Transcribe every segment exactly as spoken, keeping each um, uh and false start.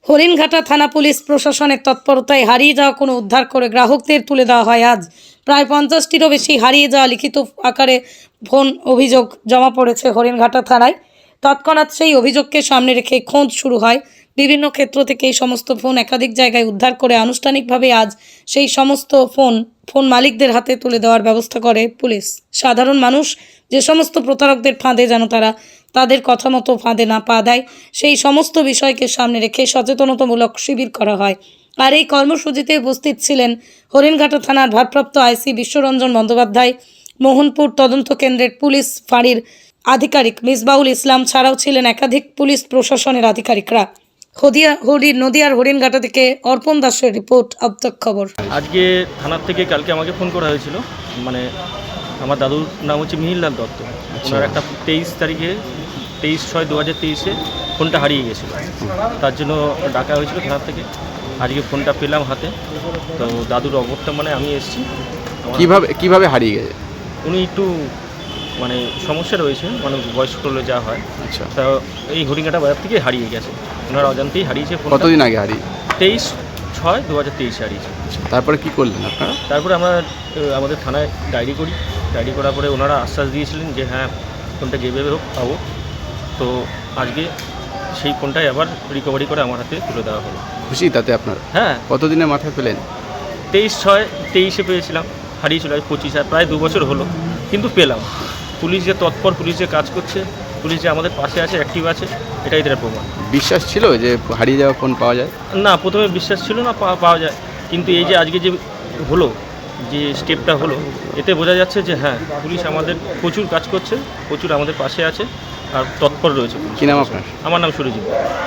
হরিণঘাটা থানা পুলিশ প্রশাসনের তৎপরতায় হারিয়ে যাওয়া কোনো উদ্ধার করে গ্রাহকদের তুলে দেওয়া হয়। আজ প্রায় পঞ্চাশটিরও বেশি হারিয়ে যাওয়া লিখিত আকারে ফোন অভিযোগ জমা পড়েছে হরিণঘাটা থানায়। তৎক্ষণাৎ সেই অভিযোগকে সামনে রেখে খোঁজ শুরু হয়। বিভিন্ন ক্ষেত্র থেকে এই সমস্ত ফোন একাধিক জায়গায় উদ্ধার করে আনুষ্ঠানিকভাবে আজ সেই সমস্ত ফোন ফোন মালিকদের হাতে তুলে দেওয়ার ব্যবস্থা করে পুলিশ। সাধারণ মানুষ যে সমস্ত প্রতারকদের ফাঁদে যেন তারা তাদের কথা মতো ফাঁদে না পা দেয়, সেই সমস্ত বিষয়কে সামনে রেখে সচেতনতামূলক শিবির করা হয়। আর এই কর্মসূচিতে উপস্থিত ছিলেন হরিণঘাটা থানার ভারপ্রাপ্ত আইসি বিশ্বরঞ্জন বন্দ্যোপাধ্যায়, মোহনপুর তদন্ত কেন্দ্রের পুলিশ ফাঁড়ির আধিকারিক মিসবাউল ইসলাম ছাড়াও ছিলেন একাধিক পুলিশ প্রশাসনের আধিকারিকরা। হদিয়া হরিণ নদিয়ার হরিণঘাটা থেকে অর্পণ দাসের রিপোর্ট, আবতক খবর। আজকে থানার থেকে কালকে আমাকে ফোন করা হয়েছিল, মানে আমার দাদুর নাম হচ্ছে মিহিরলাল দত্ত। ওনার একটা তেইশ তারিখে তেইশ ছয় দু হাজার তেইশে ফোনটা হারিয়ে গেছিলো, তার জন্য ডাকা হয়েছিল থানার থেকে। আজকে ফোনটা পেলাম হাতে, তো দাদুর অবর্তমানে আমি এসেছি। কিভাবে কিভাবে হারিয়ে গেছে? উনি একটু মানে সমস্যা রয়েছে, মানে বয়স্ক হলে যা হয়। আচ্ছা, তা এই হরিণঘাটা বাজার থেকে হারিয়ে গেছে, ওনার অজান্তেই হারিয়েছে। কতদিন আগে হারিয়ে? তেইশ ছয় দু হাজার তেইশে হারিয়েছে। তারপরে কি করলেন আপনারা? তারপরে আমরা আহ, আমাদের থানায় ডায়েরি করি। ডায়েরি করার পরে ওনারা আশ্বাস দিয়েছিলেন যে হ্যাঁ ফোনটা যেভাবে হোক পাবো। তো আজকে সেই ফোনটাই আবার রিকভারি করে আমার হাতে তুলে দেওয়া হলো। খুশি তাতে আপনারা? হ্যাঁ, কতদিনের মাথায় পেলেন? তেইশ ছয় তেইশে পেয়েছিলাম, হারিয়েছিল আজ পঁচিশ, আর প্রায় দু বছর হলো, কিন্তু পেলাম। পুলিশ যে তৎপর, পুলিশ যে কাজ করছে, পুলিশ যে আমাদের পাশে আছে, অ্যাক্টিভ আছে, এটাই এদের প্রমাণ। বিশ্বাস ছিল যে হারিয়ে যাওয়া ফোন পাওয়া যায়? না, প্রথমে বিশ্বাস ছিল না পাওয়া পাওয়া যায়, কিন্তু এই যে আজকে যে হলো, যে স্টেপটা হলো, এতে বোঝা যাচ্ছে যে হ্যাঁ পুলিশ আমাদের প্রচুর কাজ করছে, প্রচুর আমাদের পাশে আছে আর তৎপর রয়েছে। কী নাম আপনার? আমার নাম সুরজিৎ।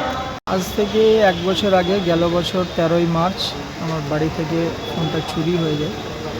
আজ থেকে এক বছর আগে, গেল বছর তেরোই মার্চ আমার বাড়ি থেকে ফোনটা চুরি হয়ে যায়।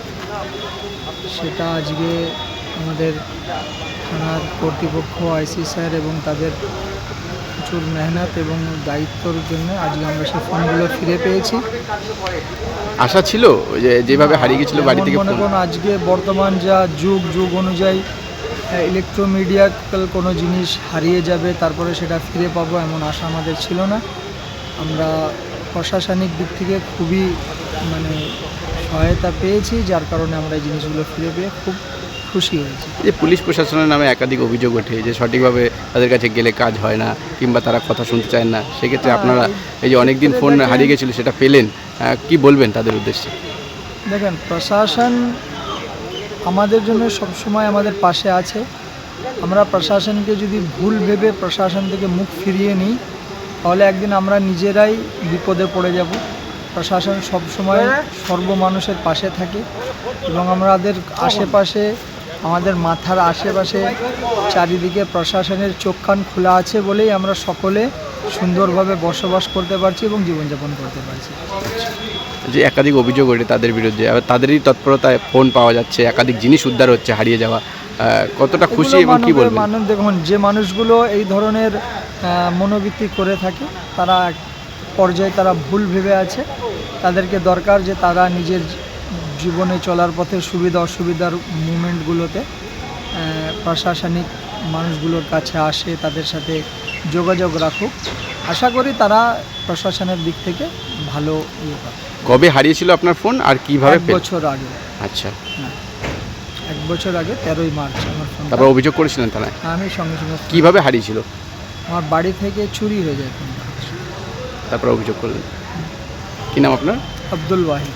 সেটা আজকে আমাদের থানার কর্তৃপক্ষ, আইসি স্যার এবং তাদের প্রচুর মেহনত এবং দায়িত্বর জন্য আজকে আমরা সেই ফোনগুলো ফিরে পেয়েছি। আশা ছিল যে যেভাবে হারিয়ে গেছিলো বাড়ি থেকে মনে ফোন? করুন আজকে বর্তমান যা যুগ যুগ অনুযায়ী ইলেকট্রোমিডিয়াক্যাল কোনো জিনিস হারিয়ে যাবে তারপরে সেটা ফিরে পাবো এমন আশা আমাদের ছিল না। আমরা প্রশাসনিক দিক থেকে খুবই মানে সহায়তা পেয়েছি, যার কারণে আমরা এই জিনিসগুলো ফিরে পেয়ে খুব খুশি হয়েছি। যে পুলিশ প্রশাসনের নামে একাধিক অভিযোগ ওঠে যে সঠিকভাবে তাদের কাছে গেলে কাজ হয় না কিংবা তারা কথা শুনতে চায় না, সেক্ষেত্রে আপনারা এই যে অনেক দিন ফোন হারিয়ে গেছিলো সেটা পেলেন, কি বলবেন তাদের উদ্দেশ্যে? দেখেন, প্রশাসন আমাদের জন্য সবসময় আমাদের পাশে আছে। আমরা প্রশাসনকে যদি ভুল ভেবে প্রশাসন থেকে মুখ ফিরিয়ে নিই তাহলে একদিন আমরা নিজেরাই বিপদে পড়ে যাব। প্রশাসন সবসময় সর্বমানুষের পাশে থাকে এবং আমাদের আশেপাশে, আমাদের মাথার আশেপাশে চারিদিকে প্রশাসনের চোখ কান খোলা আছে বলেই আমরা সকলে সুন্দরভাবে বসবাস করতে পারছি এবং জীবনযাপন করতে পারছি। যে একাধিক অভিযোগ ওঠে তাদের বিরুদ্ধে, আবার তাদেরই তৎপরতায় ফোন পাওয়া যাচ্ছে, একাধিক জিনিস উদ্ধার হচ্ছে হারিয়ে যাওয়া, কতটা খুশি এবং কি বলবেন? মানুষ দেখুন, যে মানুষগুলো এই ধরনের মনোবৃত্তি করে থাকে তারা এক পর্যায়ে তারা ভুল ভেবে আছে। তাদেরকে দরকার যে তারা নিজের জীবনে চলার পথে সুবিধা অসুবিধার মুভমেন্টগুলোতে প্রশাসনিক মানুষগুলোর কাছে আসে, তাদের সাথে যোগাযোগ রাখুক। আশা করি তারা প্রশাসনের দিক থেকে ভালো ইয়ে পাবে। কবে হারিয়েছিল আপনার ফোন আর কিভাবে? এক বছর আগে। আচ্ছা, এক বছর আগে তেরোই মার্চ আমার ফোন। তারপর অভিযোগ করেছিলেন থানায়? আমি সঙ্গে সঙ্গে। কিভাবে হারিয়েছিল? আমার বাড়ি থেকে চুরি হয়ে যায় ফোনটা। তারপর অভিযোগ করলেন। কী নাম আপনার? আব্দুল ওয়াহিদ।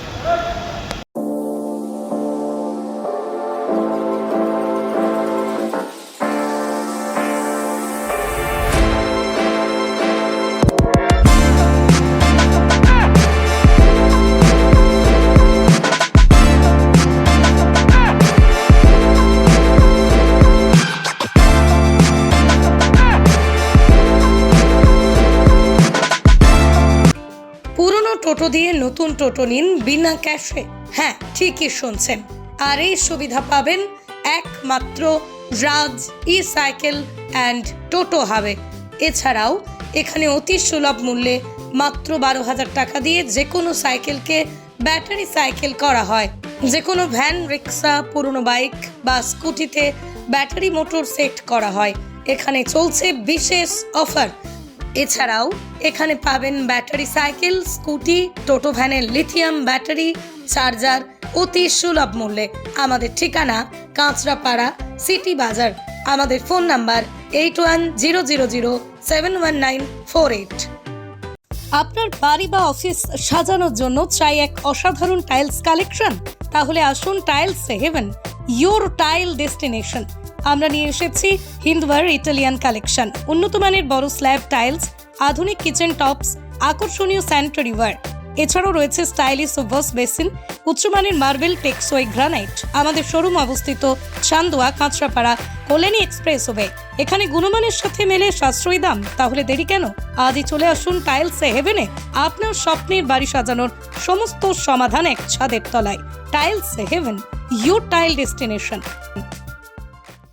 টোটো দিয়ে নতুন টোটো নিন বিনা ক্যাশে। হ্যাঁ, ঠিকই শুনছেন। আর এই সুবিধা পাবেন একমাত্র রাজ ই সাইকেল অ্যান্ড টোটো হাবে। এছাড়াও এখানে অতি সুলভ মূল্যে মাত্র বারো হাজার টাকা দিয়ে যে কোনো সাইকেলকে ব্যাটারি সাইকেল করা হয়। যে কোনো ভ্যান, রিক্সা, পুরনো বাইক বা স্কুটিতে ব্যাটারি মোটর সেট করা হয়। এখানে চলছে বিশেষ অফার। এছাড়াও এখানে পাবেন ব্যাটারি সাইকেল, স্কুটি, টোটো ভ্যানের লিথিয়াম ব্যাটারি, চার্জার অতি সুলভ মূল্যে। আমাদের ঠিকানা কাঁচরাপাড়া সিটি বাজার। আমাদের phone number eight one zero zero zero seven one nine four eight. আপনার বাড়ি বা অফিস সাজানোর জন্য চাই এক অসাধারণ টাইলস কালেকশন? তাহলে আসুন tiles heaven, your tile destination. আমরা নিয়ে এসেছি হিন্দওয়ার ইটালিয়ান কালেকশন, উন্নত মানের বড় স্ল্যাব টাইলস, আধুনিক কিচেন টপস, আকর্ষণীয় স্যানিটারি ওয়্যার। এছাড়াও রয়েছে স্টাইলিশ ওয়াশ বেসিন, উচ্চমানের মার্বেল, টেক্সওয়ে গ্রানাইট। আমাদের শোরুম অবস্থিত চান্দোয়া, কাঁচরাপাড়া, কল্যাণী এক্সপ্রেসওয়ে। এখানে গুণমানের সাথে মেলে সাশ্রয়ী দাম। তাহলে দেরি কেন? আজই চলে আসুন টাইলস হেভেনে। আপনার স্বপ্নের বাড়ি সাজানোর সমস্ত সমাধান এক ছাদের তলায়। Tiles heaven, your tile destination.